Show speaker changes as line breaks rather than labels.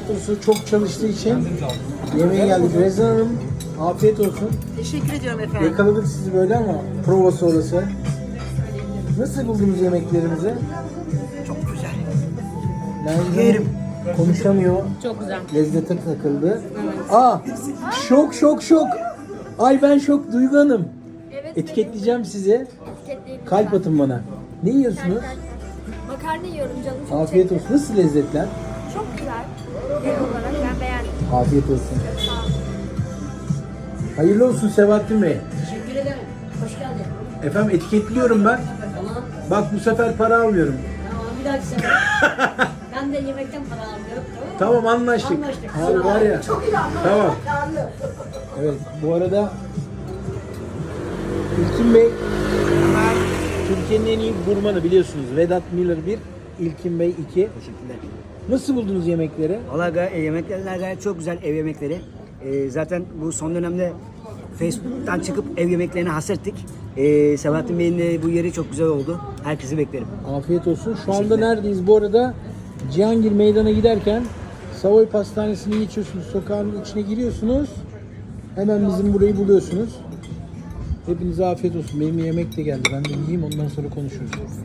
tiyatrosu çok çalıştığı için yemeğe geldik. Rezan Hanım, afiyet olsun.
Teşekkür ediyorum efendim.
Yakaladık sizi böyle ama prova sonrası. Nasıl buldunuz yemeklerimizi?
Çok güzel.
Nerede?
Yerim.
Konuşamıyor.
Çok güzel.
Lezzete takıldı. Aa, şok şok şok. Ay ben şok Duygu Hanım.
Evet.
Etiketleyeceğim sizi.
Etiketleyelim.
Kalp atın bana. Ne yiyorsunuz?
Makarna yiyorum canım çok
Afiyet
çekti.
olsun. Nasıl lezzetler?
Çok güzel. Genel olarak ben beğendim.
Afiyet olsun.
Sağ olun.
Hayırlı olsun Sebahattin Bey.
Teşekkür ederim. Hoş geldin.
Efendim etiketliyorum ben.
Tamam.
Bak bu sefer para almıyorum.
Tamam bir dahaki sefer. Ben de yemekten para almıyorum.
Tamam anlaştık.
Anlaştık.
Abi var ya. Tamam. Evet bu arada İlkin Bey Türkiye'nin en iyi gurmanı biliyorsunuz. Vedat Milor 1, İlkin Bey 2.
Teşekkürler.
Nasıl buldunuz yemekleri?
Valla yemekler gayet çok güzel ev yemekleri. Zaten bu son dönemde Facebook'tan çıkıp ev yemeklerine hasrettik. Sebahattin Bey'in de bu yeri çok güzel oldu. Herkesi beklerim.
Afiyet olsun. Şu anda neredeyiz? Bu arada Cihangir Meydan'a giderken Savoy Pastanesi'ni geçiyorsunuz. Sokağın içine giriyorsunuz. Hemen bizim burayı buluyorsunuz. Hepinize afiyet olsun. Benim yemek de geldi. Ben de yiyeyim ondan sonra konuşuruz.